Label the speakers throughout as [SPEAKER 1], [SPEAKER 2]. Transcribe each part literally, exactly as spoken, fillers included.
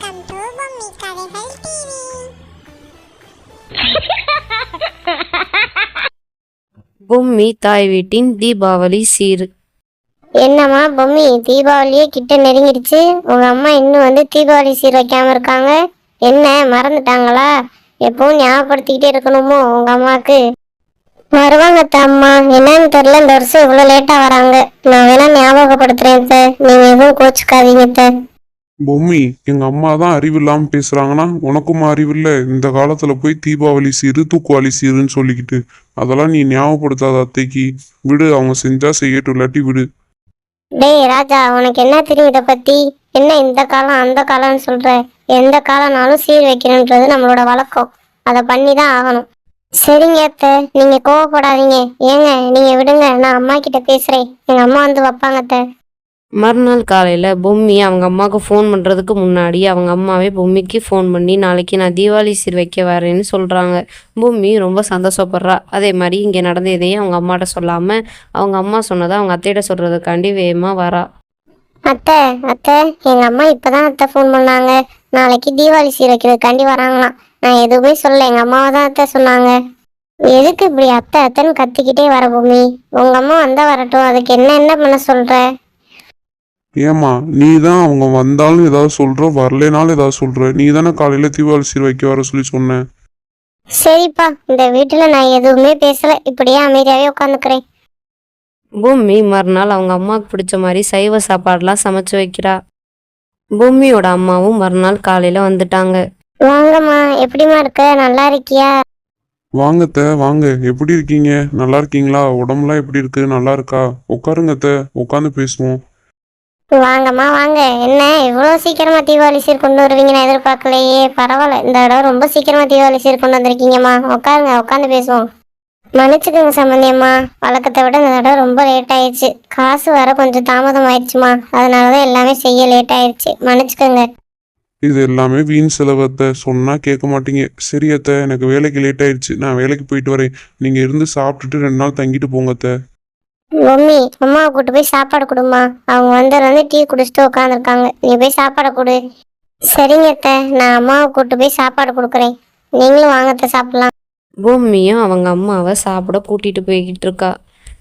[SPEAKER 1] Welcome to Bommi கதைகள் TV.
[SPEAKER 2] Bommi தாய் வீட்டின் தீபாவளி சீர்.
[SPEAKER 3] என்னம்மா பொம்மி, தீபாவளியே கிட்ட நெருங்கிடுச்சு. உங்க அம்மா இன்னும் வந்து தீபாவளி சீர் வைக்காம இருக்காங்க. என்ன மறந்துட்டாங்களா? எப்பவும் ஞாபகப்படுத்திக்கிட்டே இருக்கணுமோ உங்க அம்மாவுக்கு? வருவாங்க அம்மா, என்னன்னு தெரியல, இந்த வருஷம் இவ்வளவு லேட்டா வராங்க. நான் வேணா ஞாபகப்படுத்துறேன் சார், நீங்க எதுவும் கோச்சுக்காதீங்க சார்.
[SPEAKER 4] பொம்மி, எங்க அம்மா தான் அறிவு இல்லாம பேசுறாங்கன்னா உனக்கும் அறிவு இல்ல. இந்த காலத்துல போய் தீபாவளி சீரு தூக்குவாளி சீருன்னு சொல்லிக்கிட்டு அதெல்லாம் நீ ஞாபகப்படுத்தாத அத்தைக்கு. விடு, அவங்க செஞ்சா செய்யட்டும், இல்லாட்டி விடு.
[SPEAKER 3] டேய் ராஜா, உனக்கு என்ன தெரியும் இதை பத்தி? என்ன இந்த காலம் அந்த காலம்னு சொல்ற? எந்த காலம்னாலும் சீர் வைக்கணுன்றது நம்மளோட வழக்கம். அதை பண்ணி தான் ஆகணும். சரிங்க அத்தை, நீங்க கோவப்படாதீங்க. ஏங்க நீங்க விடுங்க, நான் அம்மா கிட்ட பேசுறேன். எங்க அம்மா வந்து வைப்பாங்க அத்தை.
[SPEAKER 2] மறுநாள் காலையில் பொம்மி அவங்க அம்மாவுக்கு ஃபோன் பண்ணுறதுக்கு முன்னாடி அவங்க அம்மாவே பொம்மிக்கு ஃபோன் பண்ணி நாளைக்கு நான் தீபாவளி சீர் வைக்க வரேன்னு சொல்கிறாங்க. பொம்மி ரொம்ப சந்தோஷப்படுறா. அதே மாதிரி இங்கே நடந்த எதையும் அவங்க அம்மாட்ட சொல்லாமல் அவங்க அம்மா சொன்னதை அவங்க அத்தையிட்ட சொல்கிறதுக்காண்டி வேகமாக வரா.
[SPEAKER 3] அத்தை அத்தை, எங்க அம்மா இப்பதான் அத்தை ஃபோன் பண்ணாங்க. நாளைக்கு தீபாவளி சீர் வைக்கிறதுக்காண்டி வராங்களாம். நான் எதுவுமே சொல்ல, எங்க அம்மாவை தான் அத்தை சொன்னாங்க. எதுக்கு இப்படி அத்தை அத்தைன்னு கத்திக்கிட்டே வர பொம்மி? உங்க அம்மா வந்தா வரட்டும், அதுக்கு என்ன என்ன பண்ண சொல்ற?
[SPEAKER 4] ஏமா, நீ தான் அவங்க வந்தாலும் ஏதாவது சொல்ற, வரலைனாலும் ஏதாவது சொல்ற. நீ தானே காலையில தீபாவளி சீர் வைக்க வர சொல்லி சொன்ன.
[SPEAKER 3] சரிப்பா, இந்த வீட்டுல நான் எதுவுமே பேசல, இப்படியே அமைதியாவே உட்காந்துக்கிறேன்.
[SPEAKER 2] பொம்மி மறுநாள் அவங்க அம்மாவுக்கு பிடிச்ச மாதிரி சைவ சாப்பாடெலாம் சமைச்சு வைக்கிறா. பொம்மியோட அம்மாவும் மறுநாள் காலையில் வந்துட்டாங்க.
[SPEAKER 3] வாங்கம்மா, எப்படிமா இருக்க? நல்லா இருக்கியா?
[SPEAKER 4] வாங்கத்த, வாங்க. எப்படி இருக்கீங்க? நல்லா இருக்கீங்களா? உடம்புலாம் எப்படி இருக்கு? நல்லா இருக்கா? உட்காருங்கத்த, உட்காந்து பேசுவோம்.
[SPEAKER 3] வாங்கம்மா வாங்க. என்ன இவ்வளவு சீக்கிரமா தீபாவளி சீர் கொண்டு வருவீங்க, நான் எதிர்பார்க்கலையே. பரவாயில்ல, இந்த தடவை ரொம்ப சீக்கிரமா தீபாவளி சீர் கொண்டு வந்திருக்கீங்கம்மா. உட்காருங்க, உட்காந்து பேசுவோம். மன்னிச்சுக்கோங்க சம்பந்தியம்மா, வழக்கத்தை விட இந்த தடவை ரொம்ப லேட் ஆயிடுச்சு. காசு வர கொஞ்சம் தாமதம் ஆயிடுச்சுமா, அதனாலதான் எல்லாமே செய்ய லேட் ஆயிடுச்சு. மன்னிச்சுக்கோங்க.
[SPEAKER 4] இது எல்லாமே வீண் செலவத்தை, சொன்னா கேட்க மாட்டீங்க. சரி அத்தை, எனக்கு வேலைக்கு லேட் ஆயிடுச்சு, நான் வேலைக்கு போயிட்டு வரேன். நீங்க இருந்து சாப்பிட்டுட்டு ரெண்டு நாள் தங்கிட்டு போங்க அத்தை.
[SPEAKER 3] மம்மி, அம்மாவை கூட்டு போய் சாப்பாடு கொடுமா. அவங்க வந்து டீ குடிச்சிட்டு உட்காந்துருக்காங்க. நீ போய் சாப்பாடை கொடு. சரிங்க அத்தை, நான் அம்மாவை கூட்டு போய் சாப்பாடு கொடுக்குறேன். நீங்களும் வாங்கத்த சாப்பிடலாம்.
[SPEAKER 2] பொம்மியும் அவங்க அம்மாவை சாப்பிட கூட்டிகிட்டு போய்கிட்டு இருக்கா.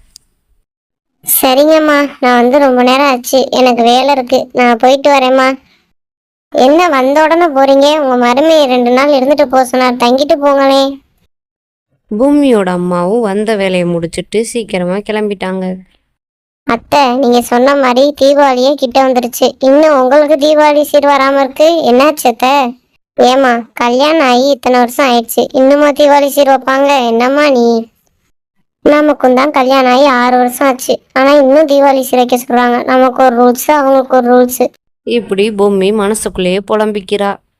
[SPEAKER 3] சரிங்கம்மா, நான் வந்து ரொம்ப நேரம் ஆச்சு, எனக்கு வேலை இருக்கு, நான் போயிட்டு வரேம்மா. என்ன வந்த உடனே போறீங்க? உங்க மருமையை ரெண்டு நாள் இருந்துட்டு போக சொன்னார், தங்கிட்டு போங்களே.
[SPEAKER 2] பொம்மியோட அம்மாவும் வந்த வேலையை முடிச்சுட்டு சீக்கிரமா கிளம்பிட்டாங்க.
[SPEAKER 3] அத்தை, நீங்க சொன்ன மாதிரி தீபாவளியே கிட்ட வந்துருச்சு. இன்னும் உங்களுக்கு தீபாவளி சீர் வராம இருக்கு, என்னாச்சு அத்தை? ஏமா, கல்யாணம் ஆகி இத்தனை வருஷம் ஆயிடுச்சு, இன்னுமா தீபாவளி சீர் வைப்பாங்க? என்னம்மா நீ? நமக்கும் தான் கல்யாணம் ஆகி ஆறு வருஷம் ஆச்சு, ஆனா இன்னும் தீபாவளி சீர் வைக்க சொல்றாங்க. நமக்கு ஒரு ரூல்ஸ், அவங்களுக்கு ஒரு ரூல்ஸ்.
[SPEAKER 2] இப்படி பொம்மி மனசுக்குள்ளேயே புலம்பிக்கிறா.